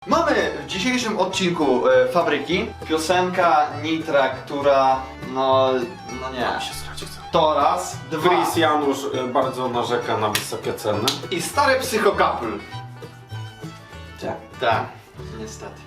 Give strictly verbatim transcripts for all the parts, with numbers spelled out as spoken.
Mamy w dzisiejszym odcinku e, Fabryki piosenka Nitra, która no, no nie. się srać chce. To raz, dwa Chris Janusz y, bardzo narzeka na wysokie ceny. i stary psychokapl. Tak. Tak, niestety.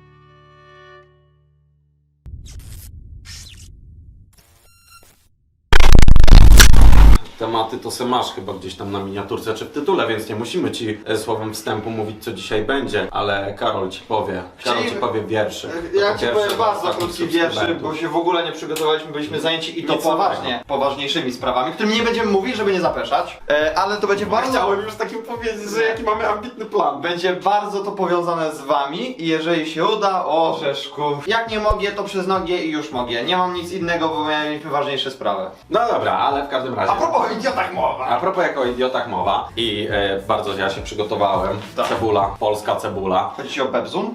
Tematy to se masz chyba gdzieś tam na miniaturce czy w tytule, więc nie musimy ci e, słowem wstępu mówić, co dzisiaj będzie, ale Karol ci powie. Karol ci powie wierszy. Ja To ci pierwszy powiem dla bardzo ostatnich krótki wierszy, subskrybentów. bo się w ogóle nie przygotowaliśmy, byliśmy zajęci i to Nic poważnie, poważniejszymi sprawami, którym nie będziemy mówić, żeby nie zapeszać, e, ale to będzie bardzo... Chciałem już takim powiedzieć, że jaki mamy ambitny plan. Będzie bardzo to powiązane z wami i jeżeli się uda, o Rzeszku. Jak nie mogę, to przez nogi i już mogę. Nie mam nic innego, bo mieliśmy ważniejsze sprawy. No dobra, ale w każdym razie. A propos idiotach mowa. A propos jako idiotach mowa i e, bardzo ja się przygotowałem. Tak. Cebula, polska cebula. Chodzi ci o Bebzun?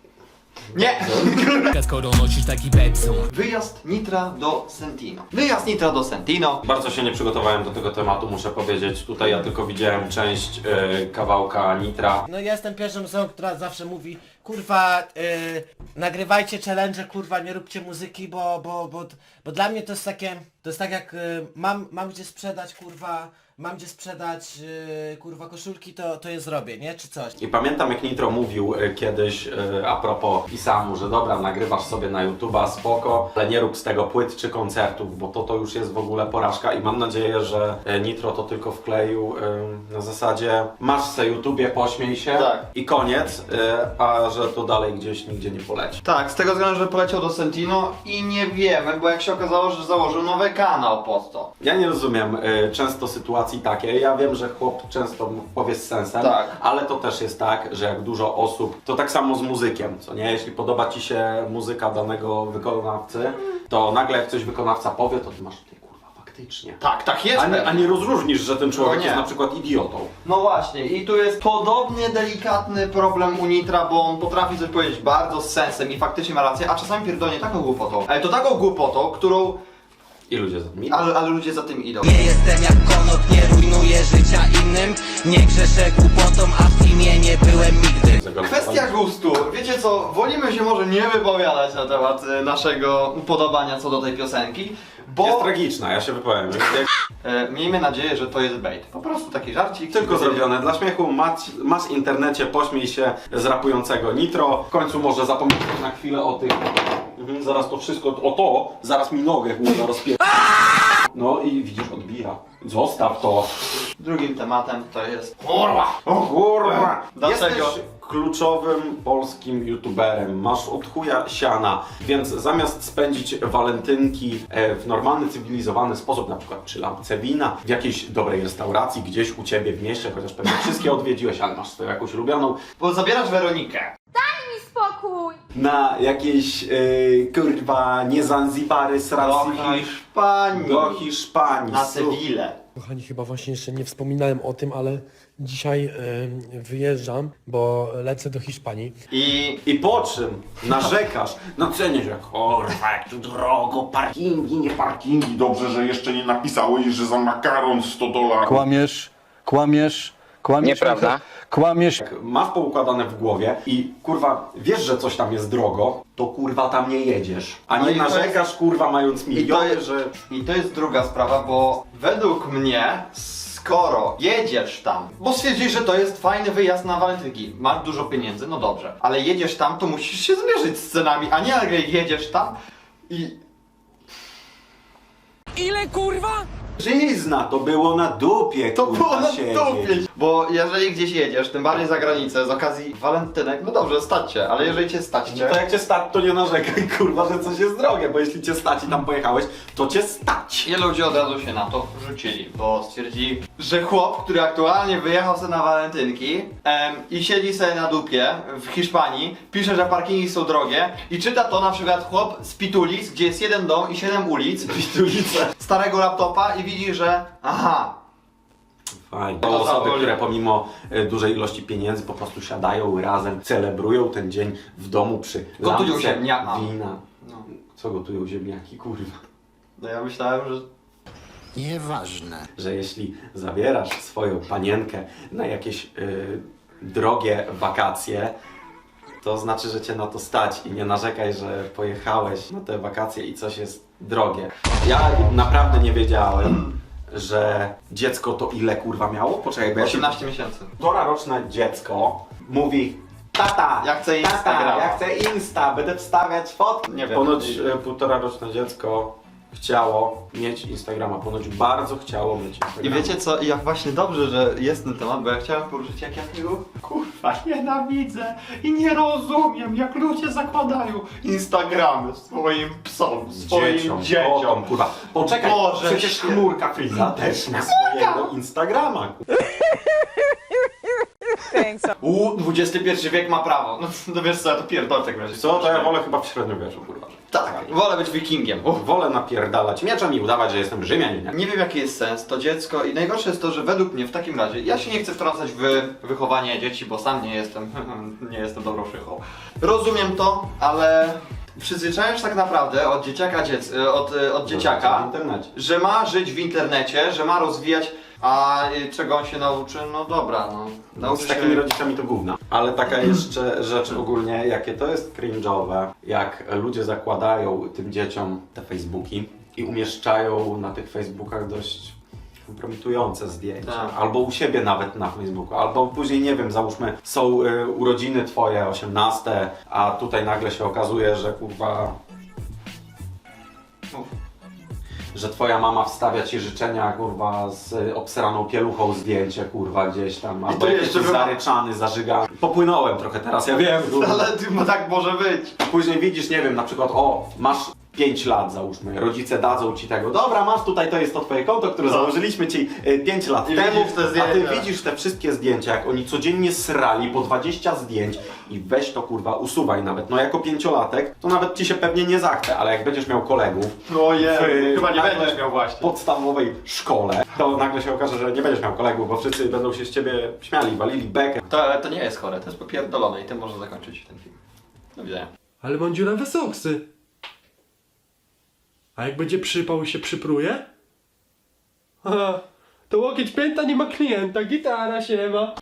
Nie! Skoro nosisz taki pepsun. Wyjazd Nitra do Sentino. Wyjazd Nitra do Sentino. Bardzo się nie przygotowałem do tego tematu, muszę powiedzieć. Tutaj ja tylko widziałem część e, kawałka Nitra. No ja jestem pierwszą osobą, która zawsze mówi kurwa, yy, nagrywajcie challenge, kurwa, nie róbcie muzyki, bo, bo, bo, bo dla mnie to jest takie, to jest tak jak yy, mam, mam gdzie sprzedać, kurwa, mam gdzie sprzedać, yy, kurwa, koszulki, to, to je zrobię, nie? Czy coś. I pamiętam, jak Nitro mówił e, kiedyś e, a propos Pisamu, że dobra, nagrywasz sobie na YouTube'a, spoko, ale nie rób z tego płyt czy koncertów, bo to to już jest w ogóle porażka i mam nadzieję, że e, Nitro to tylko wkleił e, na zasadzie masz se YouTubie, pośmiej się Tak. i koniec, e, a że to dalej gdzieś nigdzie nie poleci. Tak, z tego względu, że poleciał do Sentino i nie wiemy, bo jak się okazało, że założył nowy kanał pod to. Ja nie rozumiem y, często sytuacji takiej. Ja wiem, że chłop często powie z sensem, Tak. ale to też jest tak, że jak dużo osób, to tak samo z muzykiem, co nie? Jeśli podoba ci się muzyka danego wykonawcy, to nagle jak coś wykonawca powie, to ty masz, ty kurwa, faktycznie. Tak, tak jest. A nie, a nie rozróżnisz, że ten człowiek No nie. jest na przykład idiotą. No właśnie, i tu jest podobnie delikatny problem u Nitra, bo on potrafi coś powiedzieć bardzo z sensem i faktycznie ma rację, a czasami pierdolnie taką głupotą. Ale to taką głupotą, którą... I ludzie za tym idą. Ale, ale ludzie za tym idą. Nie jestem jak konop, nie rujnuję życia innym. Nie grzeszę głupotą, a w teamie nie byłem nigdy. Kwestia gustu. Wiecie co, wolimy się może nie wypowiadać na temat y, naszego upodobania co do tej piosenki, bo Jest tragiczna, ja się wypowiem. e, miejmy nadzieję, że to jest bait. Po prostu taki żarcik. Tylko zrobione dla śmiechu, masz, masz w internecie, pośmiej się z rapującego Nitro. W końcu może zapomnieć na chwilę o tych... Mhm, zaraz to wszystko, o to, zaraz mi nogę głowę rozpie... No i widzisz, odbija. Zostaw to. Drugim tematem to jest... Kurwa! O kurwa! Dlaczego? Jesteś kluczowym polskim youtuberem, masz od chuja siana, więc zamiast spędzić walentynki e, w normalny, cywilizowany sposób, na przykład przy lampce wina, w jakiejś dobrej restauracji, gdzieś u ciebie w mieście, chociaż pewnie wszystkie odwiedziłeś, ale masz swoją jakąś ulubioną, Bo zabierasz Weronikę. Spokój! na jakieś e, kurwa nie Zanzibary, Do Srasy, Hiszpanii. do Hiszpanii. Na Sewillę. Kochani, chyba właśnie jeszcze nie wspominałem o tym, ale dzisiaj y, wyjeżdżam, bo lecę do Hiszpanii. I... I po czym narzekasz na cenie, że kurwa, jak tu drogo, parkingi, nie parkingi. Dobrze, że jeszcze nie napisałeś, że za makaron sto dolarów. Kłamiesz, kłamiesz, kłamiesz. Nieprawda. Kłamiesz. Jak masz poukładane w głowie i kurwa wiesz, że coś tam jest drogo, to kurwa tam nie jedziesz. A No nie i to narzekasz jest- kurwa mając I to, miliony, jest, że... I to jest druga sprawa, bo według mnie, skoro jedziesz tam, bo stwierdzisz, że to jest fajny wyjazd na walentynki, masz dużo pieniędzy, no dobrze, ale jedziesz tam, to musisz się zmierzyć z cenami, a nie nagle jedziesz tam i... Ile kurwa? Żyzna, to było na dupie, To kurwa, było na siedzieć. dupie. Bo jeżeli gdzieś jedziesz, tym bardziej za granicę, z okazji walentynek, no dobrze, stać cię, ale jeżeli cię stać cię... No to jak cię stać, to nie narzekaj, kurwa, że coś jest drogie, bo jeśli cię stać i tam pojechałeś, to cię stać. I ludzie od razu się na to rzucili, bo stwierdzili, że chłop, który aktualnie wyjechał sobie na walentynki em, i siedzi sobie na dupie w Hiszpanii, pisze, że parkingi są drogie i czyta to na przykład chłop z Pitulic, gdzie jest jeden dom i siedem ulic, Pitulice, starego laptopa i widzi, że aha, Fajnie. To To osoby, zawoli. które pomimo e, dużej ilości pieniędzy po prostu siadają razem, celebrują ten dzień w domu przy Gotują lampce ziemniaka. wina. no, Co gotują ziemniaki, kurwa? no ja myślałem, że... Nieważne. Że jeśli zabierasz swoją panienkę na jakieś y, drogie wakacje, to znaczy, że cię na to stać i nie narzekaj, że pojechałeś na te wakacje i coś jest drogie. Ja naprawdę nie wiedziałem, że dziecko to ile kurwa miało? Poczekaj, bo ja się... osiemnaście miesięcy. Półtora roczne dziecko mówi: tata, Ja chcę tata, Instagrama. ja chcę Insta, będę wstawiać fotki. Nie wiem. Ponoć e, półtora roczne dziecko chciało mieć Instagrama, ponoć bardzo chciało mieć I Instagrama. wiecie co, jak właśnie dobrze, że jest ten temat, bo ja chciałem poruszyć, jak ja tego kurwa nienawidzę i nie rozumiem, jak ludzie zakładają Instagramy swoim psom, swoim dzieciom, dzieciom. kotom, kurwa. Poczekaj, Boże przecież święty. chmurka Friza też ma swojego Instagrama. U, dwudziesty pierwszy wiek ma prawo. No, no wiesz co, ja to pierdolę w takim razie. Co, to ja wolę chyba w średniowieczu, kurwa. Tak, wolę być wikingiem. Uff. Wolę napierdalać mieczem i udawać, że jestem Rzymianinem. Nie wiem jaki jest sens, to dziecko i najgorsze jest to, że według mnie w takim razie, ja się nie chcę wtrącać w wychowanie dzieci, bo sam nie jestem, nie jestem dobrą szychą. Rozumiem to, ale przyzwyczajasz tak naprawdę od dzieciaka, dziec, od, od dzieciaka, w internecie. że ma żyć w internecie, że ma rozwijać, a czego on się nauczy? No dobra, no. Nauczy Z się... takimi rodzicami to gówna. Ale taka jeszcze rzecz ogólnie, jakie to jest cringe'owe, jak ludzie zakładają tym dzieciom te Facebooki i umieszczają na tych Facebookach dość kompromitujące zdjęcia. Tak. Albo u siebie nawet na Facebooku, albo później, nie wiem, załóżmy, są y, urodziny twoje, osiemnaste, a tutaj nagle się okazuje, że kurwa... że twoja mama wstawia ci życzenia, kurwa, z obseraną pieluchą zdjęcie, kurwa, gdzieś tam, albo to jakiś jeszcze wyma- zaryczany, zażygany. Popłynąłem trochę teraz, ja wiem, kurwa. Ale ty, bo tak może być. Później widzisz, nie wiem, na przykład, o, masz pięć lat, załóżmy, rodzice dadzą ci tego, dobra, masz tutaj, to jest to twoje konto, które No. założyliśmy ci pięć lat I temu, widzisz te a ty zdjęcia. widzisz te wszystkie zdjęcia, jak oni codziennie srali po dwadzieścia zdjęć i weź to, kurwa, usuwaj nawet. No jako pięciolatek, to nawet ci się pewnie nie zachce, ale jak będziesz miał kolegów, Ojej, chyba nie nagle będziesz miał właśnie. podstawowej szkole, to nagle się okaże, że nie będziesz miał kolegów, bo wszyscy będą się z ciebie śmiali, walili bekę. To, to nie jest chore, to jest popierdolone i tym można zakończyć ten film. Do widzenia. Ale mam dziurawe soksy. A jak będzie przypał i się przypruje? Aha, to łokieć pięta nie ma klienta, gitara się ma.